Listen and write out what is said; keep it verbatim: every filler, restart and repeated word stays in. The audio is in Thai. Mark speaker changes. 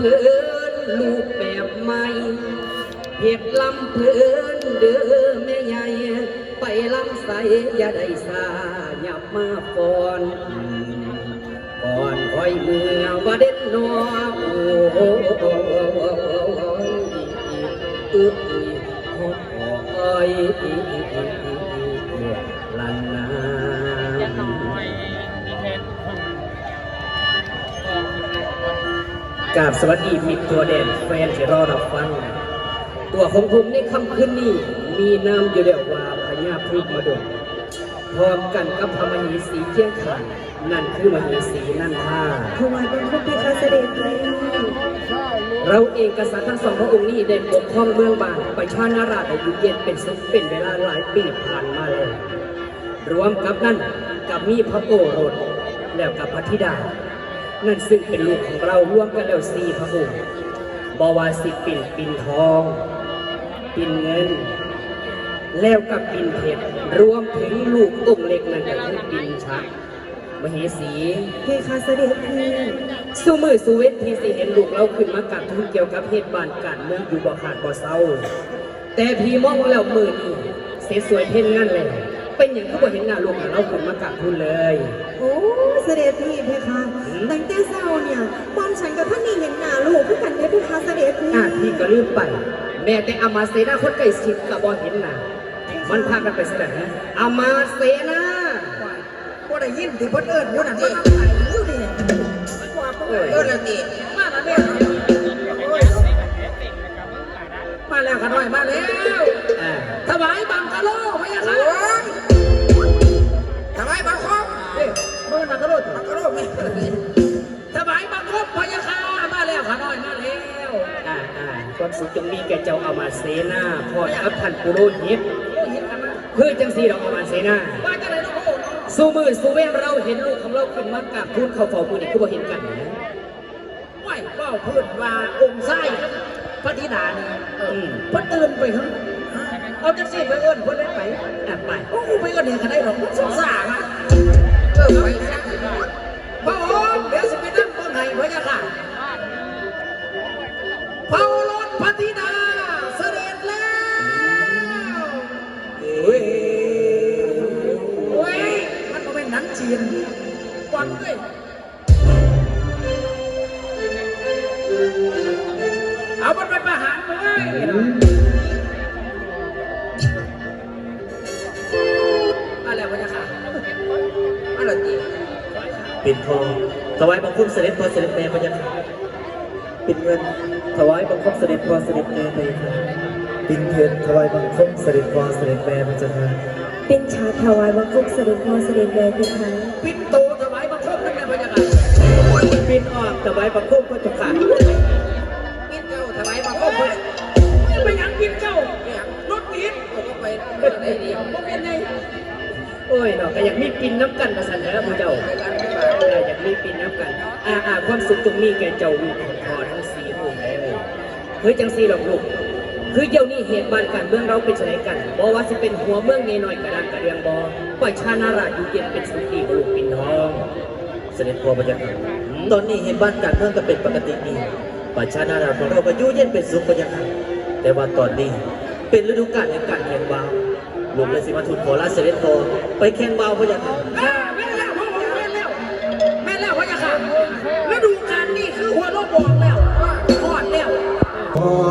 Speaker 1: เพลินลูกแบบใหม่เห็ดลำเพลินเด้อแม่ใหญ่ไปลำใสอย่าได้สาหยับมาฟอนก่อนคอยเมื่อว่าเด็ดนอโอ้โอ้โอ้โอ้อึ๊บหอบหอยลันนากราบสวัสดีมิตรตัวแดนแฟนที่รอรับฟังตัวของผมในค่ำคืนนี้มีนามอยู่เดียวว่าพญาพฤกษ์มาดกพร้อมกันกับพระมเหสีเคียงข้างนั่นคือมเหสีนันทา
Speaker 2: ถวายบังคมเพคะเสด็จเลย
Speaker 1: เราเองกษัตริย์ทั้งสองพระองค์นี้ได้ปกครองเมืองบานประชานาราชได้อยู่เย็นเป็นสุขเป็นเวลาหลายปีผ่านมาแล้วรวมกับนั้นกับมีพระโอรสแล้วกับพระธิดานั่นซึ่งเป็นลูกของเราร่วมกันแล้วสี่พระองค์บวาสิปิ่นปิ่นทองปิ่นเงินแล้วกับปิ่นเพชรรวมถึงลูกองค์เล็กนั่นก็คือปิ่นชักมเหสี
Speaker 2: เพคะเสด็จพี่
Speaker 1: สู้มือสู้เวทที่สิเห็นลูกเราขึ้นมากับทุนเกี่ยวกับเหตุบานการเมืองอยู่บ่ขาดบ่เศร้าแต่พี่มองแล้วมือนี่เสียสวยเพ่นงั้นเลยเป็นอย่างที่บ่เห็นหน้าลูกเราขึ้นมากับทุนเลย
Speaker 2: โอ้เสด็จพี่เพคะตั้งแต่เศร้าเนี่ยบอมฉันกับท่านนี่เห็นหน้าลูกผู้กันได้เพคะเสด็จพี่
Speaker 1: อ่ะพี่ก็ลืมไปแม่แต่อามาเสนาคนใกล้ชิดกับบ่เห็นหน้ามันพากันไปแสดงอามาเสนา
Speaker 3: ก็ได้ยินที่เพิ่นเอิ้นอยู่นั่นมันไหลอยู่ดิเอิ้นแล้วติมาแล้วเนี่ยมาแล้วกันหน่อยมาแล้วถวายบังกะโลพะยะค่ะถวายบังคบเอ้ยมื้อบังกะโลบังกะโลไม่ถวายบังคบพะยะค่ะมาแล้วค่ะหน่อยมาแล้ว
Speaker 1: อ่าอ่าความสุขจงมีแก่เจ้าอามาเสนาพอกับท่านปุโรหิตเพื่อจังสีเราอามาเสนา
Speaker 3: ว่าจังได๋เนาะพระองค์
Speaker 1: สู้มือสู้เว้นเราเห็นลูกของเราขึ้นมากับทูลเขาเฝ้ามือนี่คือบ่เห็นกันนะ
Speaker 3: ไม่เฝ้าพูดว่าองค์ไส้พระธิดานี่เพิ่นตื่นไปครับเอาจังซี่ไปเอิ้นเพิ่นได้ไปอ่ะไปโอ้ไปเอิ้นนี่ก็ได้ดอกสงสารอ่ะเออไปพระองค์เดี๋ยวสิไปนั่งเบิ่งให้พระยะค่ะเผารถพระธิดาเสด็จแล้วเฮ้ยโอ้ยมันบ่แม่นหนังจีนกวนเว้ยเอามันไปประหารเลยมาแล้วพระยะค่ะมาแล้วจี
Speaker 4: ปิ่นทองถวายบังคมเสด็จพ่อเสด็จแม่พระยาค่ะปิ่นเงินถวายบังคมเสด็จพ่อเสด็จแม่พระยาค่ะปิ่นเพชรถวายบังคมเสด็จพ่อเสด็จแม่พระเจ้าค่ะ
Speaker 2: ปิ่นชาถวายบังคมเสด็จพ่อเสด็จแม่เพคะ
Speaker 3: ปิ่นโตถวายบังคมนั่นแหละพระยาค่ะ
Speaker 1: ปิ่นออกถวายบังคมพระเจ้าค่ะ
Speaker 3: ปิ่นเจ้าถวายบังคมพระไปยังปิ่นเจ้ารถปิ่นก็ไปได้ดีบ่เป็นไง
Speaker 1: โอ้ยเนาะก็อยากมีปิ่นน้ำกันมาสั่นแล้วผู้เจ้าอยากมีปิ่นน้ำกันอ่าอ่าความสุขตรงนี้แกเจ้าลูกของพ่อทั้งสี่องค์เลยเฮ้ยจังสี่หรอกลูกคือเดี๋ยวนี้เหตุบ้านการเมืองเราเป็นอะไรกันบอกว่าจะเป็นหัวเมืองเงยหน่อยกระดังกระเรียงบอปล่อยชานาราชอยู่เย็นเป็นสุขีลูกปิ่นทอง
Speaker 4: เสด็จพ่อพระยาค่ะตอนนี้เห็นบ้านการเมืองก็เป็นปกติดีประชานาราของเราก็อยู่เย็นเป็นสุขพระยาค่ะแต่ว่าตอนนี้เป็นฤดูกาลแห่งการแข่งวาวลูกเลยสิมาทูลขอลาเสด็จพ่อไปแข่งวาวพระยาค่ะ
Speaker 3: แม่แล้วพ่อแม่แล้วแม่แล้วพระยาค่ะฤดูกาลนี้คือหัวโลกบอกแล้วพอดแล้ว